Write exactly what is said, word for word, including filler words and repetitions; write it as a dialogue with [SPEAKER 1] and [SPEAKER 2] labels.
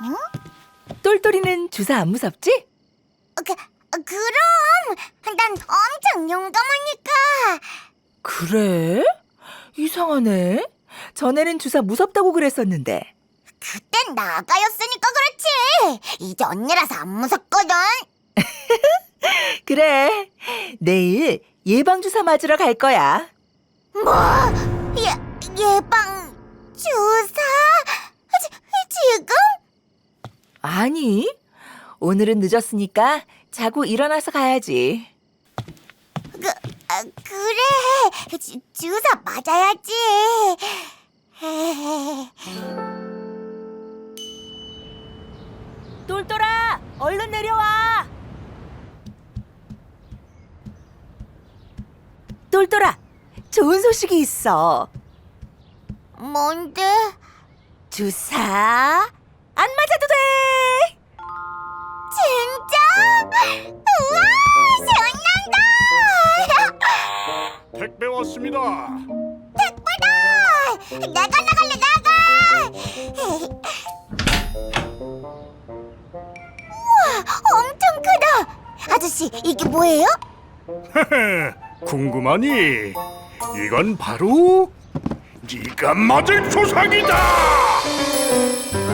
[SPEAKER 1] 응?
[SPEAKER 2] 똘똘이는 주사 안 무섭지?
[SPEAKER 1] 그, 그럼 난 엄청 용감하니까.
[SPEAKER 2] 그래? 이상하네. 전에는 주사 무섭다고 그랬었는데.
[SPEAKER 1] 그땐 나가였으니까 그렇지. 이제 언니라서 안 무섭거든.
[SPEAKER 2] 그래. 내일 예방주사 맞으러 갈 거야.
[SPEAKER 1] 뭐? 예, 예방 주사? 지, 지금?
[SPEAKER 2] 아니, 오늘은 늦었으니까 자고 일어나서 가야지.
[SPEAKER 1] 그, 아, 그래. 주, 주사 맞아야지.
[SPEAKER 2] 똘똘아, 얼른 내려와. 똘똘아, 좋은 소식이 있어.
[SPEAKER 1] 뭔데?
[SPEAKER 2] 주사 안 맞아도 돼.
[SPEAKER 1] 진짜? 우와, 신난다!
[SPEAKER 3] 택배 왔습니다.
[SPEAKER 1] 택배다! 내가 나갈래, 나가! 우와, 엄청 크다! 아저씨, 이게 뭐예요?
[SPEAKER 3] 궁금하니? 이건 바로 네가 맞을 조상이다.